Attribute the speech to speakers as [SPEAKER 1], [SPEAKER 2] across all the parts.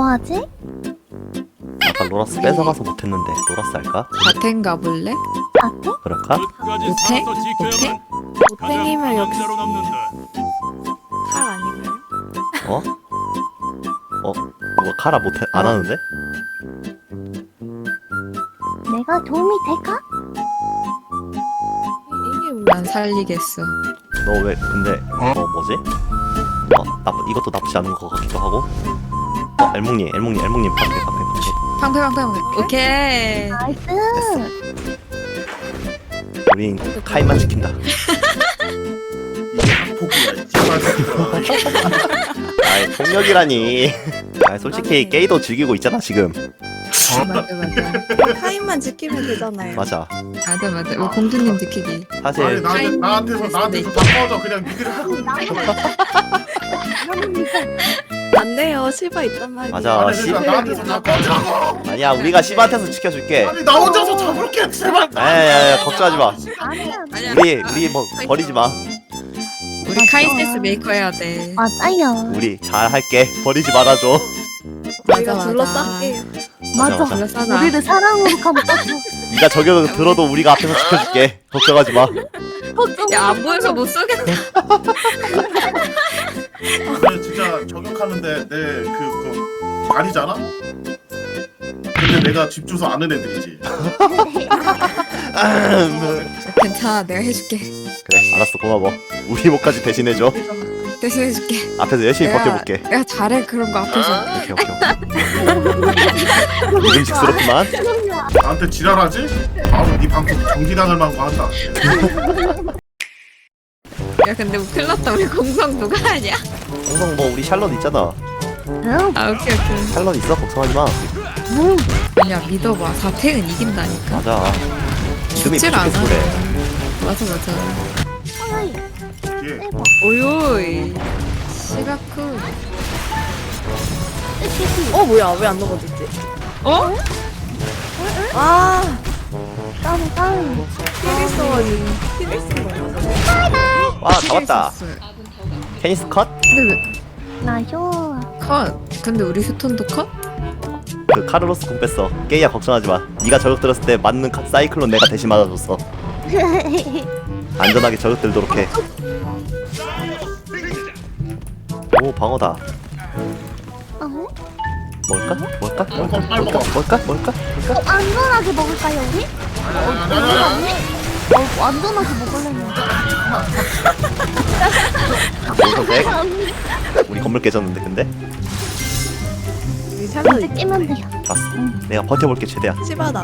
[SPEAKER 1] 하지?
[SPEAKER 2] 아까 로라스 뺏어가서 못했는데 로라스 할까?
[SPEAKER 3] 바텐 가볼래?
[SPEAKER 1] 아트?
[SPEAKER 2] 그럴까?
[SPEAKER 3] 못해? 못해?
[SPEAKER 4] 못행이면 여기
[SPEAKER 5] 대로 남는다.
[SPEAKER 4] 칼 아니고요?
[SPEAKER 2] 어? 이거 카라 못해 안 하는데?
[SPEAKER 1] 내가 도움이 될까?
[SPEAKER 4] 이게 뭐야?
[SPEAKER 3] 난 살리겠어.
[SPEAKER 2] 너 왜 근데 뭐지? 이것도 나쁘지 않은 것 같기도 하고. 엘몽님 파괴.
[SPEAKER 3] 방패. 오케이.
[SPEAKER 1] 나이스.
[SPEAKER 2] 우린 카인만 지킨다.
[SPEAKER 6] 이게 학폭이야 씨발.
[SPEAKER 2] 아이 폭력이라니. 아 솔직히 게이도 즐기고 있잖아 지금.
[SPEAKER 3] 맞아.
[SPEAKER 4] 타임만 지키면 되잖아요.
[SPEAKER 2] 맞아.
[SPEAKER 3] 맞아. 우리 공주님 지키기.
[SPEAKER 6] 아니
[SPEAKER 2] 사실
[SPEAKER 6] 나한테서 다 꺼져 그냥 니들이 하고
[SPEAKER 4] 안 돼요. 실바 있단 말이야.
[SPEAKER 2] 맞아.
[SPEAKER 6] 아니 그러니까 나한테서 다 꺼지라고.
[SPEAKER 2] 아니야 우리가 시바한테서 지켜줄게.
[SPEAKER 6] 아니 나 혼자서 잡을게 제발.
[SPEAKER 2] 야야야 걱정하지 마.
[SPEAKER 1] 아니야.
[SPEAKER 3] 아니야.
[SPEAKER 2] 우리 뭐 버리지 마.
[SPEAKER 3] 우리 카이센스 메이커 해야 돼.
[SPEAKER 1] 맞아요.
[SPEAKER 2] 우리 잘 할게. 버리지 말아줘.
[SPEAKER 4] 우리가 둘러싸게요.
[SPEAKER 1] 맞아.
[SPEAKER 3] 둘러싸자.
[SPEAKER 1] 우리를 사랑으로 감싸줘.
[SPEAKER 2] 네가 저격을 들어도 우리가 앞에서 지켜줄게. 걱정하지 마.
[SPEAKER 3] 야, 안 보여서 못 쏘겠다.
[SPEAKER 6] 근데 진짜 저격하는데 내 그거 아니잖아? 근데 내가 집 주소 아는 애들이지.
[SPEAKER 3] 괜찮아, 내가 해줄게.
[SPEAKER 2] 그래 알았어 고마워. 우리 목까지 대신해줘.
[SPEAKER 3] 대신해줄게.
[SPEAKER 2] 앞에서 열심히 버텨볼게.
[SPEAKER 3] 내가 잘해, 그런 거 앞에서.
[SPEAKER 2] 오케이. 믿음직스럽구만.
[SPEAKER 6] 나한테 지랄하지? 바로 네 방송 정지당할 만고 한다.
[SPEAKER 3] 야, 근데 뭐 큰일 났다. 우리 공성 누가 하냐?
[SPEAKER 2] 항상 뭐 우리 샬럿 있잖아.
[SPEAKER 1] 응.
[SPEAKER 3] 아, 오케이.
[SPEAKER 2] 샬럿 있어 걱정하지 마.
[SPEAKER 3] 아니야, 믿어봐. 4탱은 이긴다니까.
[SPEAKER 2] 맞아. 이름이
[SPEAKER 3] 죽질 않아.
[SPEAKER 2] 부족해서 그래.
[SPEAKER 3] 맞아.
[SPEAKER 1] 아이,
[SPEAKER 6] 이게
[SPEAKER 1] 대박.
[SPEAKER 3] 오요이. 시가쿠.
[SPEAKER 4] 뭐야? 왜 안 넘어졌지?
[SPEAKER 3] 어?
[SPEAKER 4] 아,
[SPEAKER 1] 다운.
[SPEAKER 4] 힐이 써가지고 힐을 쓴 거야.
[SPEAKER 2] 와 잡았다. 테니스 컷?
[SPEAKER 3] 근데 왜
[SPEAKER 1] 나쇼.
[SPEAKER 3] 컷? 근데 우리 휴톤도 컷?
[SPEAKER 2] 그 카르로스 공 뺐어. 게이야 걱정하지 마. 네가 저격 들었을 때 맞는 사이클론 내가 대신 맞아줬어. 안전하게 저격 들도록 해. 오 방어다. 뭘까?
[SPEAKER 1] 안전하게 먹을까요 우리?
[SPEAKER 6] 아니.
[SPEAKER 1] 안전하게 먹으려면.
[SPEAKER 2] 우리 건물 깨졌는데 근데?
[SPEAKER 4] 우리 샬롯
[SPEAKER 1] 이제 깨면 돼요.
[SPEAKER 2] 좋았어. 내가 버텨볼게 최대한.
[SPEAKER 4] 시바다.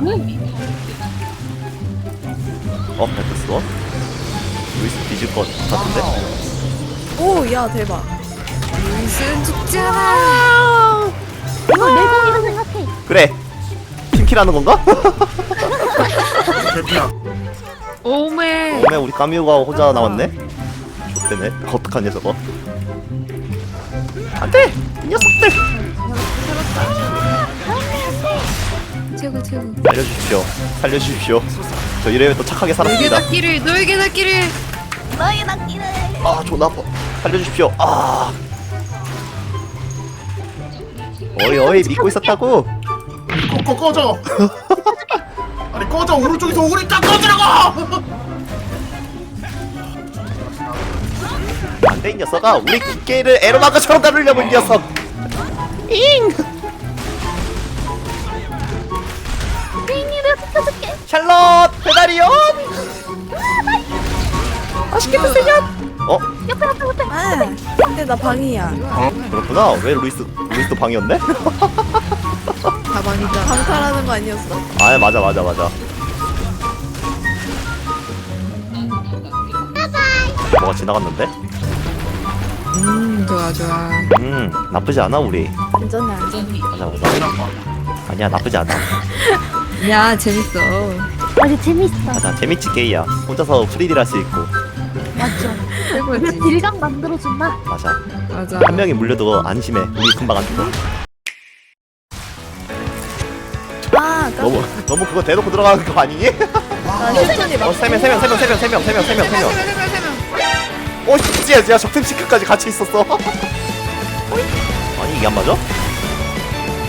[SPEAKER 2] 뱉었어. 루이스 뒤질 것 같은데?
[SPEAKER 4] 오, 야 대박.
[SPEAKER 3] 무슨 죽잖아.
[SPEAKER 1] 이거 내 공이라 생각해.
[SPEAKER 2] 그래. 팀킬하는 건가?
[SPEAKER 6] 대피야.
[SPEAKER 3] 오메.
[SPEAKER 2] 오메 우리 까미우가 혼자 남았네? 좋대네. 어떡하냐 저거. 안돼! 이 녀석들!
[SPEAKER 3] 최고.
[SPEAKER 2] 살려주십시오. 저 이래면 또 착하게 살았습니다.
[SPEAKER 3] 너에게 닿기를.
[SPEAKER 1] 너의 낚기를.
[SPEAKER 2] 아 존나 아파. 살려주십시오. 아. 어이 믿고 있었다고.
[SPEAKER 6] 꺼져. 아니 꺼져 오른쪽에서 오니까 꺼지라고.
[SPEAKER 2] 안돼 이 녀석아. 우리 기계를 에로마가처럼 다루려고 이 녀석. 잉.
[SPEAKER 1] 빙이를 붙여줄게.
[SPEAKER 2] 샬롯 배달이요. 맛있게 드세요.
[SPEAKER 1] 옆에.
[SPEAKER 4] 아, 근데 나 방이야.
[SPEAKER 2] 그렇구나. 왜 루이스도 방이었네?
[SPEAKER 3] 가방이다.
[SPEAKER 4] 방탈하는 거 아니었어?
[SPEAKER 2] 아 맞아. 뭐가 지나갔는데?
[SPEAKER 3] 좋아.
[SPEAKER 2] 나쁘지 않아 우리.
[SPEAKER 4] 안전해.
[SPEAKER 2] 맞아. 아니야 나쁘지 않아.
[SPEAKER 3] 야, 재밌어.
[SPEAKER 1] 맞아 재밌어.
[SPEAKER 2] 맞아 재밌지 게이야. 혼자서 프리딜 할 수 있고.
[SPEAKER 1] 맞죠.
[SPEAKER 3] 최고지.
[SPEAKER 1] 딜감 만들어준다.
[SPEAKER 2] 맞아.
[SPEAKER 3] 맞아.
[SPEAKER 2] 한 명이 물려도 안심해. 우리 금방 안 죽어.
[SPEAKER 4] 아,
[SPEAKER 2] 너무 그거 대놓고 들어가는 거 아니니?
[SPEAKER 4] 나 휴톤이 막.
[SPEAKER 2] 세 명. 오 진짜 적팀 시크까지 같이 있었어. 아니 이게 안 맞아?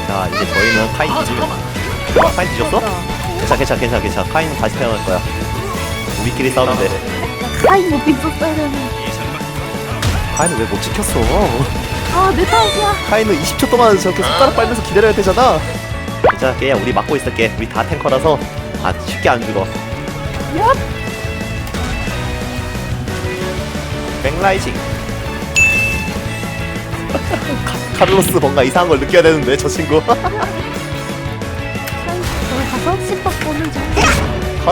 [SPEAKER 2] 자 이제 저희는 카인 뒤지면 카인 뒤졌어? 괜찮아 카인은 다시 태어날 거야. 우리끼리 싸우면 돼.
[SPEAKER 1] 카인 못 빗었어야 되는.
[SPEAKER 2] 카인은 왜 못 지켰어?
[SPEAKER 1] 아, 내 탓이야.
[SPEAKER 2] 카인은 20초 동안 저렇게 손가락 빨면서 기다려야 되잖아. 자 깨야 우리 막고 있을게. 우리 다 탱커라서 쉽게 안 죽어. 백라이징. 카를로스 뭔가 이상한 걸 느껴야 되는데 저 친구.
[SPEAKER 1] 카인, 저기 가서 씹박 보는 중.
[SPEAKER 2] 컷.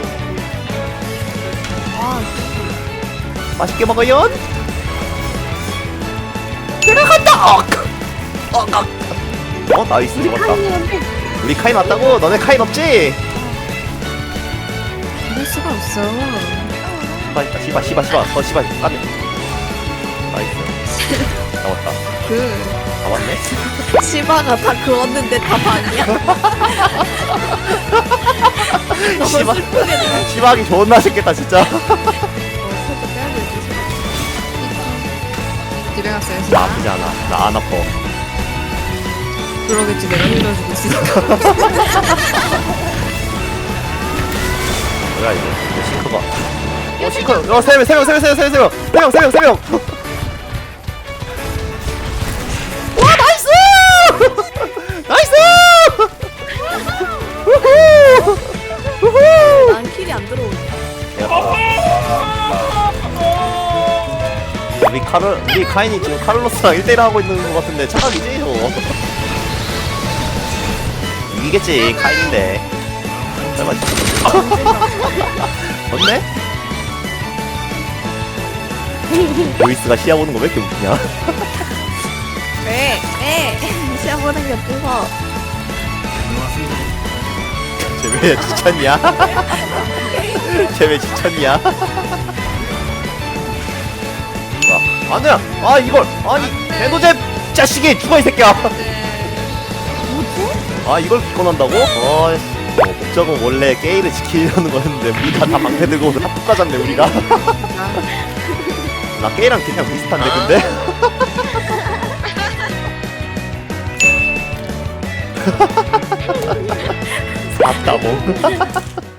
[SPEAKER 2] 맛있게 먹어요. 들어간다. 나이스
[SPEAKER 1] 우리
[SPEAKER 2] 죽었다.
[SPEAKER 1] 카인이었는데.
[SPEAKER 2] 우리 카인 왔다고? 너네 카인 없지?
[SPEAKER 3] 이럴 수가 없어.
[SPEAKER 2] 씨발 씨발 까비. 나이스. 잡았다. 잡았네.
[SPEAKER 4] 시바가 다 그었는데 다 반이야.
[SPEAKER 2] 씨발하기 좋은 맛있겠다 진짜.
[SPEAKER 3] 집에 갔어요.
[SPEAKER 2] 나 아프지 않아. 나 안 아파.
[SPEAKER 3] 그러겠지. 내가 흘려주고 있으니까.
[SPEAKER 2] 뭐야 이제 싱크가. 싱크. 세 명. 와 나이스. 나이스. 우후.
[SPEAKER 4] 난 킬이 안 들어오네.
[SPEAKER 2] 우리 카인이 지금 카를로스랑 1대1 하고 있는 것 같은데 착각이지 저거. 이기겠지 카인인데. 설마. 좋네? 루이스가 시야 보는 거 왜 이렇게 웃기냐?
[SPEAKER 4] 왜? 시합 보는 게 뽑아.
[SPEAKER 2] 쟤 왜 지쳤냐? 쟤 왜 지쳤냐? 아니야! 아 이걸! 아니 개노잼 자식이 죽어 이 새끼야! 아 이걸 기권한다고? 목적은 원래 게이를 지키려는 거였는데 우리가 다 방패 들고 합북 가졌네 우리가. 나 게이랑 그냥 비슷한데 근데? 샀다고?